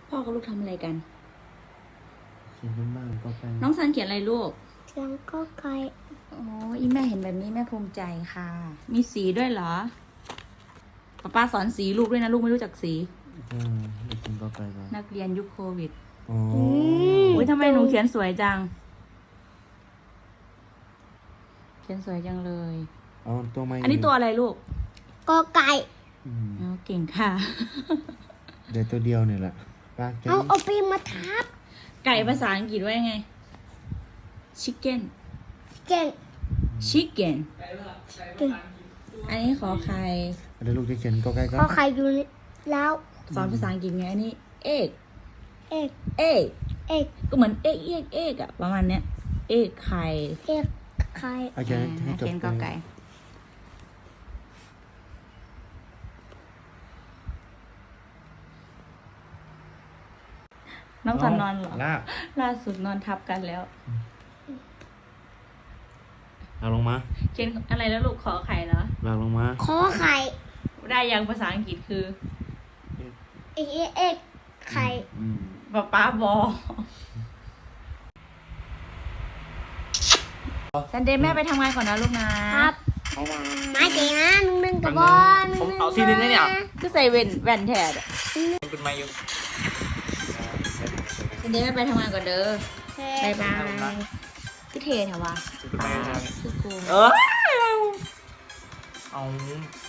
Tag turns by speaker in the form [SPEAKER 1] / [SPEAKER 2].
[SPEAKER 1] พ่อกับลูกทำอะไรกัน
[SPEAKER 2] เขียนขึ้นบ้างก็ไป
[SPEAKER 1] น้องซันเขียนอะไรลูก
[SPEAKER 3] เสียงก็ไกล
[SPEAKER 1] โอ้อีแม่เห็นแบบนี้แม่ภูมิใจค่ะ มีสีด้วยเหรอป้าสอนสีลูกด้วยนะลูกไม่รู้จักสี
[SPEAKER 2] เขียนก็ไปก่อน
[SPEAKER 1] นักเรียนยุคโควิด
[SPEAKER 2] อ๋อ
[SPEAKER 1] อุ้ยทำไมหนูเขียนสวยจัง เขียนสวยจังเลย
[SPEAKER 2] เอาตัวไม้
[SPEAKER 1] อันนี้ตัวอะไรลูก
[SPEAKER 3] ก็ไกล
[SPEAKER 1] อ๋อเก่งค่ะ
[SPEAKER 2] เดี๋ยวตัวเดียวเนี่ยแหละป้าแก
[SPEAKER 3] เอาปีมาทับ
[SPEAKER 1] ไก่ภาษาอังกฤษว่ายังไง chicken
[SPEAKER 3] เก่ง
[SPEAKER 1] chicken
[SPEAKER 3] เก่ง
[SPEAKER 1] อันนี้ขอไข่
[SPEAKER 2] เดี๋ยวลูกจะเขียนก็ใกล้ก็
[SPEAKER 3] ก็ใครอยู่แล้ว
[SPEAKER 1] สอนภาษาอังกฤษไงอันนี้ egg
[SPEAKER 3] เอก
[SPEAKER 1] egg
[SPEAKER 3] เอก
[SPEAKER 1] ก็เหมือนเอกอะประมาณเนี้ย egg ไข่
[SPEAKER 3] เอกใคร
[SPEAKER 2] เอาเขียนให้จบ
[SPEAKER 1] เขียนกอไก่ น้องสันนอนเหรอ
[SPEAKER 2] ลาก
[SPEAKER 1] ล่าสุดนอนทับกันแล้ว
[SPEAKER 2] ลากลงมา
[SPEAKER 1] เขียนอะไรแล้วลูกขอไข่เหรอ
[SPEAKER 2] ลากลงมา
[SPEAKER 3] ขอไข่
[SPEAKER 1] ได้ยังภาษาอังกฤษคือ
[SPEAKER 3] เอกไข่
[SPEAKER 1] ป้าบอซันเดย์แม่ไปทำงานก่อนนะลูกนะครับ
[SPEAKER 3] บ๊ายบายมาเจ๋งนะนึ่งกับบอล
[SPEAKER 4] ผมเอาทีนึงนะเนี่ย
[SPEAKER 1] ก็ใส่แว่นแทน
[SPEAKER 4] เป็นมาอยู่
[SPEAKER 1] ซันเดย์แม่ไปทำงานก่อนเด้อ
[SPEAKER 3] บ๊า
[SPEAKER 1] บาย ย
[SPEAKER 3] บา
[SPEAKER 1] บาย ยคือเทเถอะวะ
[SPEAKER 4] เป็นมาอยู่
[SPEAKER 1] คือกู
[SPEAKER 4] เออเอา